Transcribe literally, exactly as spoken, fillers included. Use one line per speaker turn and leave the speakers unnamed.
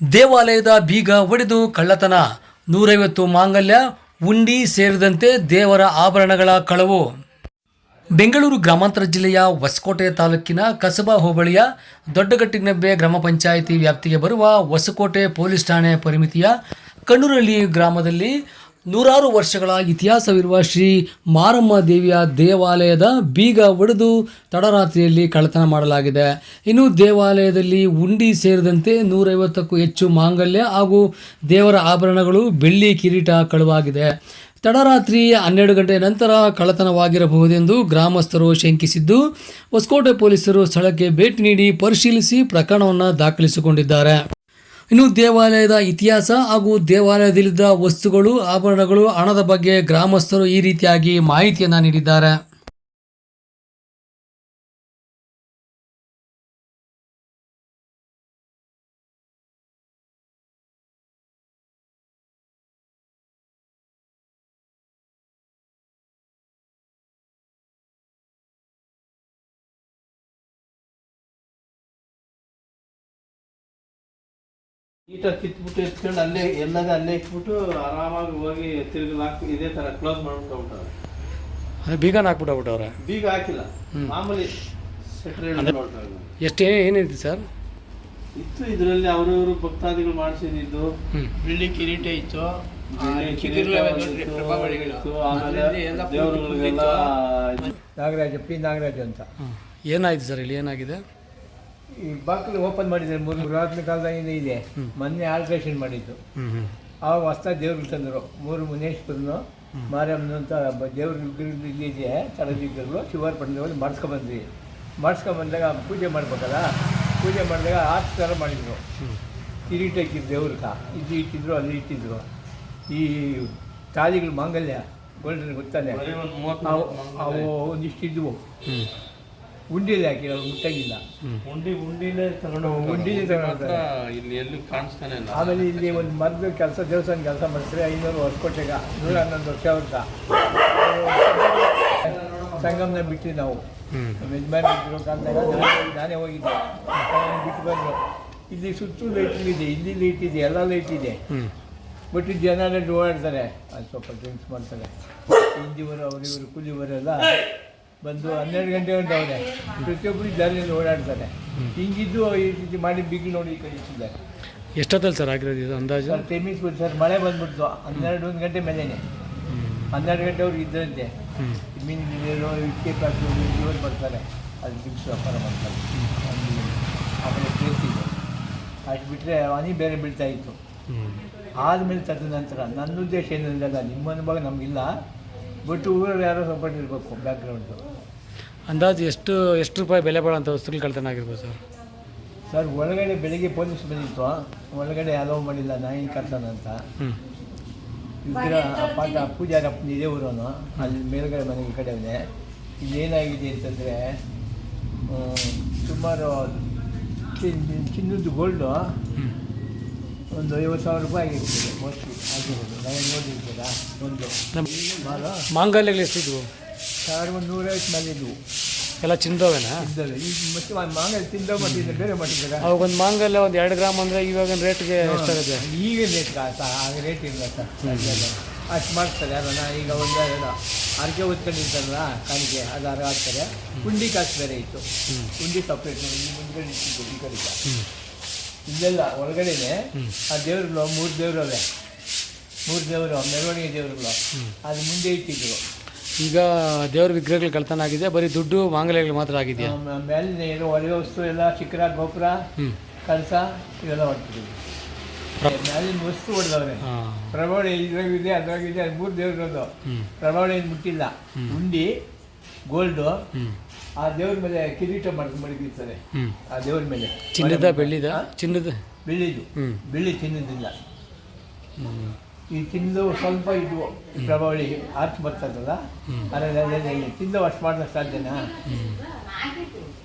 ದೇವಾಲಯದ ಬೀಗ ಒಡೆದು ಕಳ್ಳತನ, ನೂರೈವತ್ತು ಮಾಂಗಲ್ಯ, ಉಂಡಿ ಸೇರಿದಂತೆ ದೇವರ ಆಭರಣಗಳ ಕಳವು. ಬೆಂಗಳೂರು ಗ್ರಾಮಾಂತರ ಜಿಲ್ಲೆಯ ಹೊಸಕೋಟೆ ತಾಲೂಕಿನ ಕಸಬಾ ಹೋಬಳಿಯ ದೊಡ್ಡಗಟ್ಟಿನಬ್ಬೆ ಗ್ರಾಮ ಪಂಚಾಯಿತಿ ವ್ಯಾಪ್ತಿಗೆ ಬರುವ ಹೊಸಕೋಟೆ ಪೊಲೀಸ್ ಠಾಣೆ ಪರಿಮಿತಿಯ ಕಣ್ಣೂರಹಳ್ಳಿ ಗ್ರಾಮದಲ್ಲಿ ನೂರಾರು ವರ್ಷಗಳ ಇತಿಹಾಸವಿರುವ ಶ್ರೀ ಮಾರಮ್ಮ ದೇವಿಯ ದೇವಾಲಯದ ಬೀಗ ಒಡೆದು ತಡರಾತ್ರಿಯಲ್ಲಿ ಕಳ್ಳತನ ಮಾಡಲಾಗಿದೆ. ಇನ್ನು ದೇವಾಲಯದಲ್ಲಿ ಉಂಡಿ ಸೇರಿದಂತೆ ನೂರೈವತ್ತಕ್ಕೂ ಹೆಚ್ಚು ಮಾಂಗಲ್ಯ ಹಾಗೂ ದೇವರ ಆಭರಣಗಳು, ಬೆಳ್ಳಿ ಕಿರೀಟ ಕಳುವಾಗಿದೆ. ತಡರಾತ್ರಿ ಹನ್ನೆರಡು ಗಂಟೆ ನಂತರ ಕಳ್ಳತನವಾಗಿರಬಹುದೆಂದು ಗ್ರಾಮಸ್ಥರು ಶಂಕಿಸಿದ್ದು, ಹೊಸಕೋಟೆ ಪೊಲೀಸರು ಸ್ಥಳಕ್ಕೆ ಭೇಟಿ ನೀಡಿ ಪರಿಶೀಲಿಸಿ ಪ್ರಕರಣವನ್ನು ದಾಖಲಿಸಿಕೊಂಡಿದ್ದಾರೆ. ಇನ್ನು ದೇವಾಲಯದ ಇತಿಹಾಸ ಹಾಗೂ ದೇವಾಲಯದಲ್ಲಿದ್ದ ವಸ್ತುಗಳು, ಆಭರಣಗಳು, ಹಣದ ಬಗ್ಗೆ ಗ್ರಾಮಸ್ಥರು ಈ ರೀತಿಯಾಗಿ ಮಾಹಿತಿಯನ್ನು ನೀಡಿದ್ದಾರೆ.
ಈಟ ಕಿತ್ಬಿಟ್ಟು ಎತ್ಕೊಂಡು ಅಲ್ಲೇ ಎಲ್ಲದ ಅಲ್ಲೇ ಇಟ್ಬಿಟ್ಟು ಆರಾಮಾಗಿ ಹೋಗಿ ತಿರುಗಿ ಹಾಕಿ ಇದೇ ತರ ಕ್ಲೋಸ್ ಮಾಡ್ಬಿಟ್ಟು ಹೋಗ್ಬಿಟ್ಟವ್ರೆ.
ಬೀಗನ ಹಾಕ್ಬಿಟ್ಟವ್ರೆ.
ಬೀಗ ಹಾಕಿಲ್ಲ, ಮಾಮೂಲಿ
ಎಷ್ಟು ಏನಿದೆ ಸರ್
ಇತ್ತು ಇದರಲ್ಲಿ. ಅವರವರು ಭಕ್ತಾದಿಗಳು ಮಾಡಿಸಿದ್ದು ಬೆಳ್ಳಿ ಕಿರೀಟ ಇತ್ತು, ದೇವರುಗಳಿಗೆಲ್ಲ.
ನಾಗರಾಜ ಪಿ ನಾಗರಾಜ ಅಂತ.
ಏನಾಯ್ತು ಸರ್ ಇಲ್ಲಿ? ಏನಾಗಿದೆ?
ಈ ಬಾಗಿಲು ಓಪನ್ ಮಾಡಿದ್ದಾರೆ. ಮೂರು ಪುರಾತನ ಕಾಲದಾಗಿಂದ ಇದೆ. ಮೊನ್ನೆ ಆಲ್ಟ್ರೇಷನ್ ಮಾಡಿದ್ದು. ಆವಾಗ ಹೊಸ್ದಾಗಿ ದೇವ್ರಿಗೆ ತಂದರು. ಮೂರು ಮುನೇಶ್ವರನು, ಮಾರಮ್ಮನು ಅಂತ ದೇವ್ರ ಇಲ್ಲಿದೆ. ತಳದಿದ್ದರು ಶಿವಾರ್ ಪಟ್ಟಣದಲ್ಲಿ ಮಾಡಿಸ್ಕೊಂಬಂದ್ವಿ. ಮಾಡಿಸ್ಕೊಂಬಂದಾಗ ಪೂಜೆ ಮಾಡ್ಬೇಕಲ್ಲ, ಪೂಜೆ ಮಾಡಿದಾಗ ಆರು ಥರ ಮಾಡಿದರು. ಕಿರೀಟ ಇಟ್ಟಿದ್ರು ದೇವ್ರಕ, ಇದು ಇಟ್ಟಿದ್ರು, ಅಲ್ಲಿ ಇಟ್ಟಿದ್ರು. ಈ ತಾಳಿಗಳು ಮಾಂಗಲ್ಯ ಗೋಲ್ಡನ್ ಗೊತ್ತಾನೆ, ಅವು ಒಂದಿಷ್ಟು ಇದ್ವು. ಉಂಡಿಲಿ ಹಾಕಿ ಮುಟ್ಟಾಗಿಲ್ಲ.
ಉಂಡಿ ಉಂಡಿಲೇ ತಗೊಂಡು
ಉಂಡಿಲೇ ತಗೊಂಡು
ಇಲ್ಲಿ ಎಲ್ಲಿ ಕಾಣಿಸ್ತಾನೆ ಇಲ್ಲ.
ಆಮೇಲೆ ಇಲ್ಲಿ ಒಂದು ಮರದ ಕೆಲಸ, ದೇವಸ್ಥಾನ ಕೆಲಸ ಮಾಡ್ತಾರೆ. ಐನೂರು ಹೊಸಕೋಟೆಗ ನೂರ ಹನ್ನೊಂದು ವರ್ಷ ಅವ್ರಗ ಸಂಗಮನ ಬಿಟ್ಟಿವಿ ನಾವು. ಯಜಮಾನ್ ಬಿಟ್ಟಿರೋ ಕಾಲದಾಗ ನಾನೇ ಹೋಗಿದ್ದೆ, ಬಿಟ್ಟು ಬಂದರು. ಇಲ್ಲಿ ಸುತ್ತಲೂ ಲೈಟ್ ಇದೆ, ಇಲ್ಲಿ ಲೈಟ್ ಇದೆ, ಎಲ್ಲ ಲೈಟ್ ಇದೆ. ಬಟ್ ಜನ ಓಡಾಡ್ತಾರೆ, ಅದು ಸ್ವಲ್ಪ ಡ್ರಿಂಕ್ಸ್ ಮಾಡ್ತಾರೆ. ಹಿಂದಿವರು ಅವರು ಇವರು ಕೂಲಿವರೆಲ್ಲ ಬಂದು ಹನ್ನೆರಡು ಗಂಟೆ ಗಂಟೆ ಅವರೇ ಪ್ರತಿಯೊಬ್ಬರು ದಾರಿಯಲ್ಲಿ ಓಡಾಡ್ತಾರೆ. ಹಿಂಗಿದ್ದು ಈ ರೀತಿ ಮಾಡಿ ಬಿಗಿ ನೋಡಿ ಕಳಿಸಿದ್ದಾರೆ.
ಎಷ್ಟೊತ್ತಲ್ಲಿ ಸರ್ ಆಗಿರೋದು ಇದು ಅಂದಾಜು?
ಸರ್ ಟೈಮಿಂಗ್ಸ್ ಬಿಟ್ಟು ಸರ್ ಮಳೆ ಬಂದ್ಬಿಡ್ತು. ಹನ್ನೆರಡು ಒಂದು ಗಂಟೆ ಮೇಲೇನೆ, ಹನ್ನೆರಡು ಗಂಟೆವ್ರಿಗೆ ಇದ್ದರಂತೆ. ಮೀನು ಗಿಡರು ಇಟ್ಕೆ ಪ್ಯಾಕು ಇವರು ಬರ್ತಾರೆ, ಅದು ದಿವ್ಸ ವ್ಯಾಪಾರ ಮಾಡ್ತಾರೆ. ಆಮೇಲೆ ಪ್ಲೇಸ್ ಇದೆ. ಅಷ್ಟು ಬಿಟ್ಟರೆ ಹನಿ ಬೇರೆ ಬೀಳ್ತಾ ಇತ್ತು. ಆದಮೇಲೆ ತದ ನಂತರ ನನ್ನ ಉದ್ದೇಶ ಏನಿಲ್ಲ, ನಿಮ್ಮ ಅನುಭವ ನಮಗಿಲ್ಲ. ಬಟ್ ಊರಲ್ಲಿ ಯಾರೋ ಸಪೋರ್ಟ್ ಇರಬೇಕು ಬ್ಯಾಕ್ಗ್ರೌಂಡು.
ಅಂದಾಜು ಎಷ್ಟು ಎಷ್ಟು ರೂಪಾಯಿ ಬೆಲೆ ಬಾಳೋಂಥ ವಸ್ತುಗಳು ಕಳ್ತನ ಆಗಿರ್ಬೋದು ಸರ್?
ಸರ್ ಒಳಗಡೆ ಬೆಳಿಗ್ಗೆ ಪೊಲೀಸ್ ಬಂದಿತ್ತು, ಒಳಗಡೆ ಅಲೋ ಮಾಡಿಲ್ಲ, ನಾಯಿನ ಕರ್ತಾನ ಅಂತ. ವಿಗ್ರಹ ಪಾಠ ಪೂಜಾರ ಇದೇವರವನು ಅಲ್ಲಿ ಮೇಲ್ಗಡೆ ಮನೆಗೆ ಕಡೆಯವನೇ. ಇಲ್ಲೇನಾಗಿದೆ ಅಂತಂದರೆ ಸುಮಾರು ಚಿನ್ನದ್ದು ಗೋಲ್ಡು ಒಂದು ಐವತ್ತು ಸಾವಿರ ರೂಪಾಯಿ ಆಗಿರ್ತದೆ ಮೋಸ್ಟ್ಲಿ ಆಗಿರೋದು. ನಾವೇ ನೋಡಿರ್ತೀರಾ ಒಂದು
ಮಾಂಗಲ್ಯಗಳು ಎಷ್ಟಿದ್ವು?
ಸಾವಿರ ಒಂದು ನೂರೈವತ್ತು ಮೇಲೆ ಇದ್ವು.
ಎಲ್ಲ ಚಿನ್ನದವೇನಾ?
ಇದ್ದವೆ. ಈಗ ಮತ್ತೆ ಮಾಂಗಲ್ಯ ತಿಂದ ಮಾಡಿದ್ದಾರೆ, ಬೇರೆ ಮಾಡಿದ್ದಾರೆ.
ಅವಾಗ ಒಂದು ಮಾಂಗಲ್ಯ ಒಂದು ಎರಡು ಗ್ರಾಮ್ ಅಂದರೆ ಇವಾಗ ರೇಟ್ಗೆ ಎಷ್ಟಾಗುತ್ತೆ?
ಈಗ ರೇಟ್ ಆಗ ರೇಟ್ ಇಲ್ಲ ಸರ್. ಅಷ್ಟು ಮಾಡ್ತಾರೆ ಯಾರನ್ನ. ಈಗ ಒಂದು ಎರಡು ಅರ್ಕೆ ಹೊತ್ಕೊಂಡಿರ್ತಾರಲ್ಲ ಕಾಣಿಕೆ, ಅದು ಅರ್ಗ ಹಾಕ್ತಾರೆ. ಉಂಡಿ ಕಾಸು ಬೇರೆ ಇತ್ತು, ಉಂಡಿ ಸಪ್ರೇಟ್ ಮಾಡಿ ಮುಂದ್ಗಡೆ ಇಟ್ಟಿದ್ದು ಈ ಕಡೆ. ಇಲ್ಲೆಲ್ಲ ಒಳಗಡೆನೆ ಆ ದೇವ್ರುಗಳು ಮೂರು ದೇವ್ರವೆ, ಮೂರು ದೇವರು ಮೆರವಣಿಗೆ ದೇವ್ರುಗಳು ಅದು ಮುಂದೆ ಇಟ್ಟಿದ್ರು.
ಈಗ ದೇವ್ರ ವಿಗ್ರಹಗಳು ಕಳ್ತನ ಆಗಿದೆ, ಬರೀ ದುಡ್ಡು ಮಾಂಗಲ್ಯಗಳು ಮಾತ್ರ ಆಗಿದೆಯಾ?
ಮೇಲೆ ಏನು ಒಳಗೆ ವಸ್ತು ಎಲ್ಲ ಶಿಖರ, ಗೋಪುರ, ಕಳಸ ಇವೆಲ್ಲ ಹೊಡ್ತಿದ್ವಿ. ಮೇಲಿನ ವಸ್ತು ಹೊಡೆದವ್ರೆ. ಪ್ರಭಾವಳಿ ಇದ್ರಾಗಿದೆ, ಅದ್ರಾಗಿದೆ, ಅದು ಮೂರು ದೇವ್ರದ್ದು. ಪ್ರಭಾವಳಿ ಏನು ಮುಟ್ಟಿಲ್ಲ. ಉಂಡಿ ಗೋಲ್ಡು, ಆ ದೇವ್ರ ಮೇಲೆ ಕಿರೀಟ ಮಾಡಿ ಮಡಗಿರ್ತಾರೆ. ಆ ದೇವ್ರ ಮೇಲೆ
ಚಿನ್ನದ ಬೆಳ್ಳಿದ? ಚಿನ್ನದ
ಬೆಳ್ಳಿದು, ಬೆಳ್ಳಿ ಚಿನ್ನದಿಲ್ಲ. ಈ ಚಿನ್ನದು ಸ್ವಲ್ಪ ಇದ್ವು ಪ್ರಭಾವಳಿ ಆರ್ಚ್ ಬರ್ತದಲ್ಲ, ಅದರಲ್ಲಿ ಚಿನ್ನದ ಅಷ್ಟು ಮಾಡೋದಕ್ಕೆ ಸಾಧ್ಯನಾ?